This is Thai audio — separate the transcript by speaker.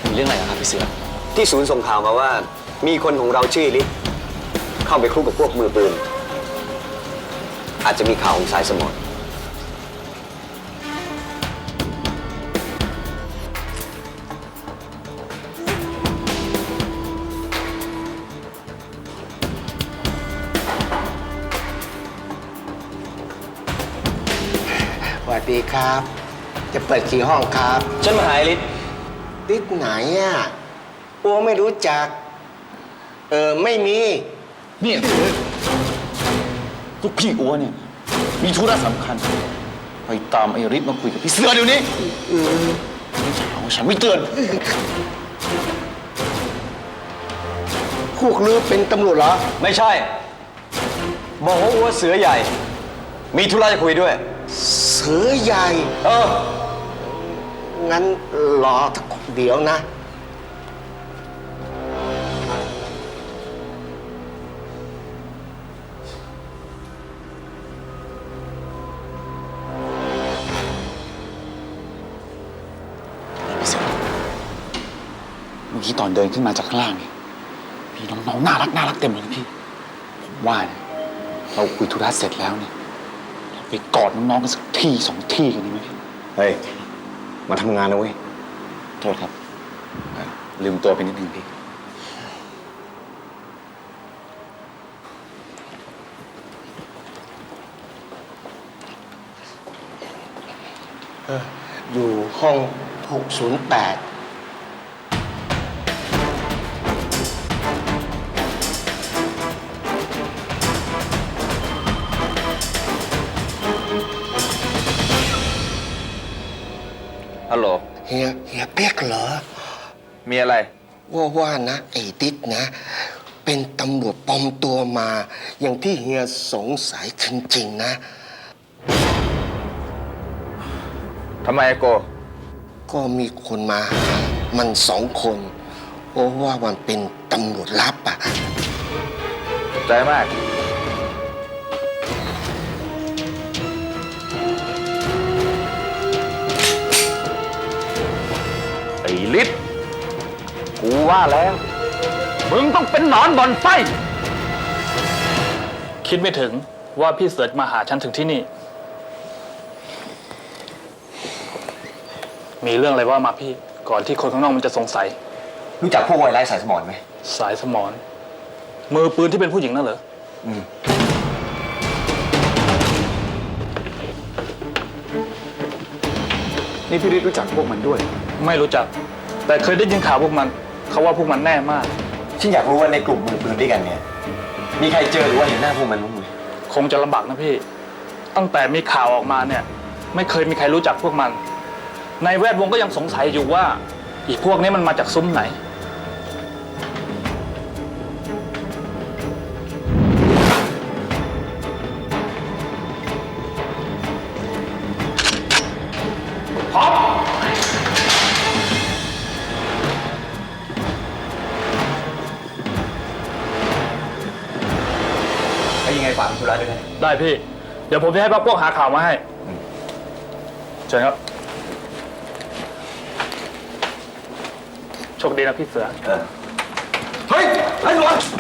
Speaker 1: มีเรื่องอะไรครับพี่เสือ
Speaker 2: ที่ศูนย์ส่งข่าวมาว่ามีคนของเราชื่อฤทธิ์เข้าไปคลุกกับพวกมือปืนอาจจะมีข่าวของสายสมร
Speaker 3: สวัสดีครับ จะเปิดกี่ห้องครับ
Speaker 2: ฉันมาหาฤทธิ์
Speaker 3: ฤทธิ์ไหนอ่ะอัวไม่รู้จัก ไม่มี
Speaker 1: เนี่ยลูกพี่อัวเนี่ยมีธุระสำคัญไปตามไอ้ฤทธิ์มาคุยกับพี่เสือเดี๋ยวนี้ฉันไม่เตือน
Speaker 3: พวกลือเป็นตำรวจเหรอ
Speaker 2: ไม่ใช่บอกว่าอัวเสือใหญ่มีธุระจะคุยด้วย
Speaker 3: เสือใหญ่ งั้นรอสักเดี๋ยวนะ
Speaker 1: พี่เสือเมื่อกี้ตอนเดินขึ้นมาจากข้างล่างเนี่ยมีน้องๆน่ารักเต็มเลยนะพี่ผมว่าเนี่ยเราคุยธุระเสร็จแล้วเนี่ยเราไปกอดน้องๆกันสักที่สองที่กันดีไหมพี่
Speaker 2: เฮ้ยมาทำงานนะเว้ย
Speaker 1: โทษครับลืมตัวไปนิดนึงพี่
Speaker 3: อยู่ห้อง 608
Speaker 2: ฮัลโหล
Speaker 3: เฮียเปียกเหรอ
Speaker 2: มีอะไร
Speaker 3: ว่านะไอ้ดิดนะ เป็นตำรวจปลอมตัวมา อย่างที่เฮียสงสัยจริงๆนะ
Speaker 2: ทำไมโก
Speaker 3: ก็มีคนมาหามัน2 คนว่ามันเป็นตำรวจลับอ่ะ
Speaker 2: ใจมากไอ้ฤทธิ์กูว่าแล้วมึงต้องเป็นหนอนบ่อนไฟ
Speaker 4: คิดไม่ถึงว่าพี่เสือมาหาฉันถึงที่นี่ มีเรื่องอะไรว่ามาพี่ ก่อนที่คนข้างนอกมันจะสงสัย
Speaker 2: รู้จักพวกวัยไร้สายสมรไหม
Speaker 4: สายสมรมือปืนที่เป็นผู้หญิงนั่นเหรอ
Speaker 1: นี่พี่ฤทธิ์รู้จักพวกมันด้วย
Speaker 4: ไม่รู้จัก แต่เคยได้ยินข่าวพวกมัน เขาว่าพวกมันแน่มาก
Speaker 2: ฉันอยากรู้ว่าในกลุ่มมือปืนด้วยกันเนี่ย มีใครเจอหรือว่าเห็นหน้าพวกมันบ้างไหม
Speaker 4: คงจะลำบากนะพี่ ตั้งแต่มีข่าวออกมาเนี่ย ไม่เคยมีใครรู้จักพวกมัน ในแวดวงก็ยังสงสัยอยู่ว่าอีพวกนี้มันมาจากซุ้มไหน
Speaker 2: แล้วยังไงฝากธุระด้วยนะ
Speaker 4: ได้พี่ เดี๋ยวผมจะให้พวกหาข่าวมาให้เชิญครับ โชคดีนะพี่เสือ
Speaker 2: เฮ้ยไอ้หลวง